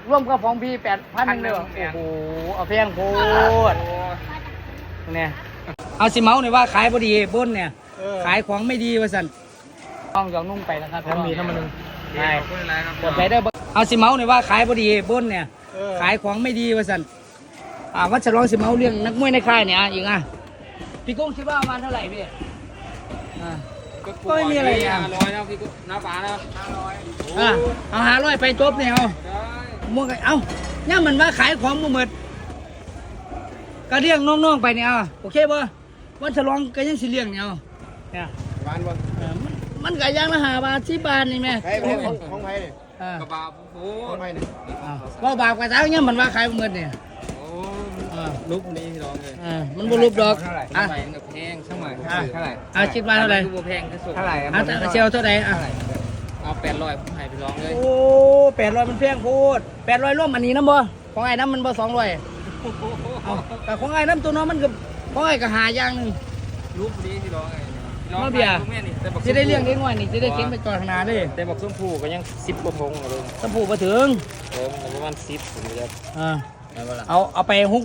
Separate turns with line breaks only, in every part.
ร่วมกับของพี่8,000เลยโอ้โหเอาแพงโพดเนี่ยเอาสิเมาเนี่ยว่าขายพอดีบนเนี่ยขายของไม่ดีว่าสันต้องยองนุ่งไปนะครับทั้งมีทั้งมันนึงใช่เปิดไปได้เอาสิเมาเนี่ยว่าขายพอดีบนเนี่ยขายของไม่ดีว่าสันวัดฉลองสิเมาเรื่องนักมวยในค่ายเนี่ยอีกพี่กุ้งคิดว่าประมาณเท่าไหร่พี่ก็ไม่มีอะไรอ่ะ500นะพี่กุ้งน้าป๋านะ500เอา500ไปจบเนี่ยเอามั่วกันเอาเนี่ยมันว่าขายของหมดก็เลี้ยงน้องๆไปเนี่ยโอเคป่ะวันฉลองก็ยังสิเลี้ยงเนี่ยเนี่ยบ้านบ่มันก็ยังละ5 บาท10 บาทนี่แม่ของไผ่เนี่ยกระบาโอ้ของไผ่เนี่ยว่าบาปกระเจ้าเนี่ยมันว่าขายหมดเนี่ยรูปนี้พี่น้องเลยมันบ่รูปดอกเท่าไหร่กับแพงช่างหน่อยเท่าไหร่คิดว่าเท่าไหร่คือบ่แพงที่สุดเท่าไหร่เซลเท่าไหร่เอา800ผมให้พี่น้องเลยโอ้800มันแพงโพด800ร่วมอันนี้น้ำบ่ของไอ้น้ำมันบ่200แต่ของไอ้น้ำตัวน้องมันก็ของไอ้ก็หาอย่างนึงรูปนี้พี่น้องไงน้องเบียร์จะได้เลี้ยงได้ง่อยนี่จะได้เก็บไปก่อนขนาดเลยแต่บอกส้มผูก็ยัง10 กว่าพงเลยส้มผูมาถึงประมาณ10ผมจะเอาไป600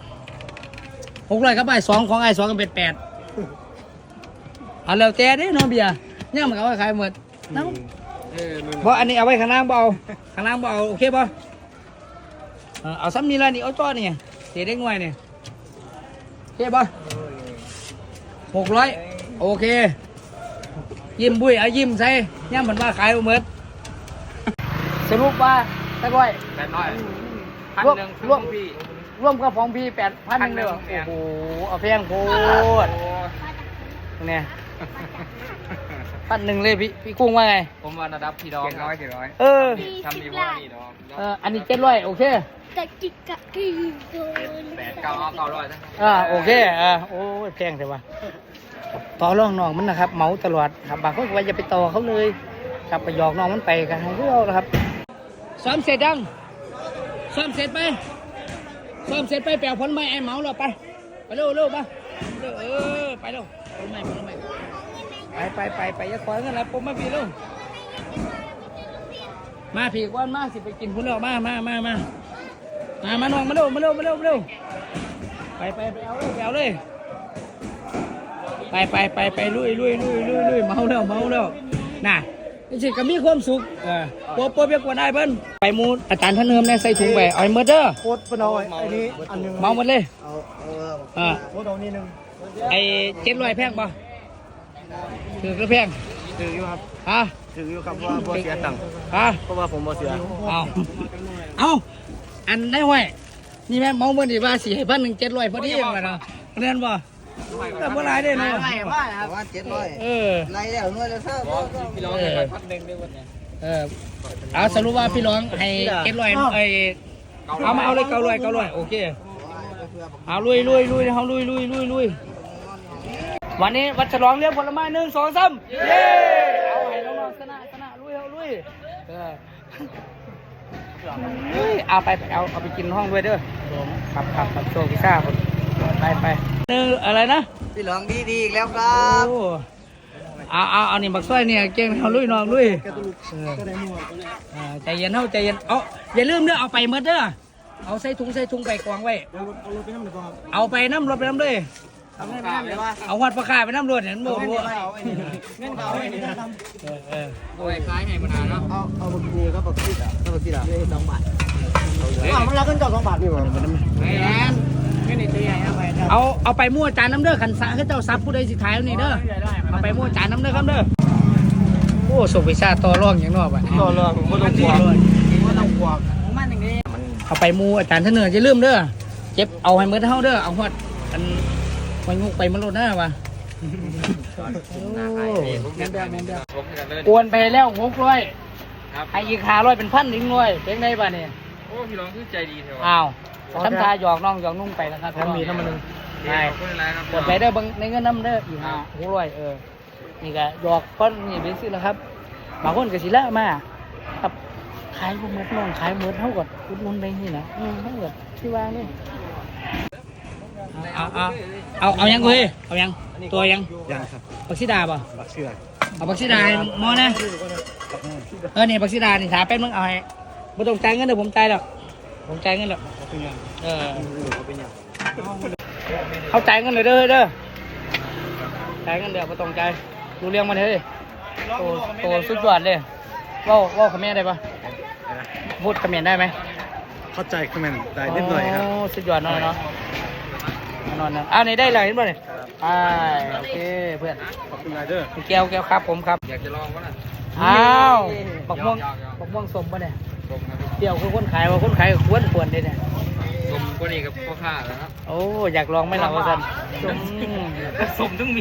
ครับไอ้2ของไอ้2ก็เป็น8เอาแล้วแต่เด้น้องเบียร์เนี่ยมันก็ว่าขายหมดน้ำเพราะอันนี้เอาไว้ข้างล่างเบาโอเคป่ะเอาซ้ำนี่ละนี่เอาจ้อนี่เสียได้ง่อยนี่โอเคป่ะ600โอเคยิ้มบุ้ยเอายิ้มใส่เนี่ยมันว่าขายหมดสรุปว่า800ร่วมกับของพี่8,000เลยโอ้โหเอาแพงโพดเนี่ย1,000เลยพี่กุ้งว่าไงผมว่าระดับพี่ดอง700ทำดีกว่านี่ดองอันนี้700โอเค800โอเคโอ้ยแพงแต่ว่าต่อรองน้องมันนะครับเมาตลอดครับบางคนก็ว่าจะไปต่อเขาเลยครับไปหยอกน้องมันไปกันให้เขานะครับซ้อมเสร็จยังซ้อมเสร็จไปแปลวผลไม้ไอ้เมาเราไปเร็วไปไปเร็วผลไม้ไปอย่าคอยกันนะผมมาพี่ลูกมาผีก้อนมาสิไปกินพุ่นแล้วมาน้องมาเร็วไปเอาเลยไปลุยเมาแล้วน่ะนี่สิก็มีความสุขโปเปียกว่าได้เบิ้ลไปมูอาจารย์ท่านเนิมเนี่ยใส่ถุงไปเอาเมอร์เดอร์โคตรปนอยอันนี้อันนึงเมาหมดเลยโคตรเอานี่นึงไอ้700แพงป่ะถือก็แพงถืออยู่ครับถืออยู่ครับว่าบ่เสียตังค์เพราะว่าผมบ่เสียเอาอันได้ห้วยนี่แม่เมาเมื่อดีว่า4,100 700พอดีเองนะเรียนบ่แต่เมื่อไรได้เนาะว่า700ไรแล้วน้อยแล้วซ่าพี่ร้องให้1,000ด้วยวันนี้เอาสรุปว่าพี่ร้องให้700เอามาเอาเลย900โอเคเอาลุยเขาลุยวันนี้วัดฉลองเลี้ยงผลไม้1 2 3เย้เอาให้น้องๆชนะลุยเอาไปเอาไปกินห้องด้วยเด้อขับโชว์พิซซ่าไปอะไรนะพี่หลองดีอีกแล้วครับเอานี่บักซ้อยเนี่ยเก่งเอาลุยน้องลุยใจเย็นเอาอย่าลืมเด้อเอาไปเมื่อเด้อเอาใส่ถุงไปกองไว้เอาไปน้ำรถไปน้ำด้วยเอาวัดประกาศไปน้ำรถเห็นบ่เงินเขาไว้นี่ทำโอ้ยคล้ายไงมันเนาะเอาบักกูครับบักซีด2 บาทมันรับเงินจอด2 บาทนี่หว่าไม่นี่ตัวใหญ่เอาไปมั่วจานน้ำเด้อขันสะให้เจ้าซับผู้ใดสิขายนี่เด้อเอาไปมั่วจานน้ำเด้อครับเด้อโอ้ส่งวิชาต่อรองอย่างนอกอ่ะต่อรองผมต้องกลัวมันอย่างนี้เอาไปมั่วจานท่านเนื้อจะลืมเด้อเจ็บเอาให้เมื่อเท่าเด้อเอาหัวอันมันงุกไปมันลดหน้าว่ะโอนไปแล้ว600ให้อีก500เป็น1,000อีก100เป็นไงบ้านี่โอ้พี่น้องคือใจดีเถอะอ้าวทำทาหยอกน้องหยอกนุ่งไปนะครับทั้งมีทั้งมันนึงใช่กดไปได้บางในเงินน้ำได้อีก600นี่ก็หยอกก้อนนี่เป็นสิแล้วครับบางคนก็สิละมาครับขายหมดน้องขายหมดเท่ากับอุดหนุนไปนี่นะเท่ากับที่วางนี่เอายังคุยเอายังตัวยังครับบักซิดาป่ะบักซิดาเอาบักซิดาหมอนะนี่บักซิดานี่ถามแป๊บนึงเอาให้ไม่ต้องจ่ายเงินเดี๋ยวผมจ่ายหรอกผมจ่ายเงินหรอกเออเขาจ่ายเงินเลยเด้อจ่ายเงินเดี๋ยวไม่ต้องจ่ายดูเรื่องมันเลยโตสุดยอดเลยว่าคอมเมนต์ได้ปะพูดคอมเมนต์ได้ไหม
เข้าใจคอมเมนต์ได้นิดหน่อยครับ
สุดยอดหน่อยเนาะนอนนะนี่ได้เลยเห็นป่ะเนี่ยโอเคเพื่อน
ขอบคุณไรเดอร์
แก้วครับผมครับ
อยากจะลองก็น่ะ
บักม่วงสมป่ะเนี่ยเดี๋ยวคือคนขายว่าคนขายควรเลยเนี่ย
สมก็นี่กับพ่อข้าแล้วครับ
โอ้อยากลองไหมล่ะว่าสัน
สมต้องมี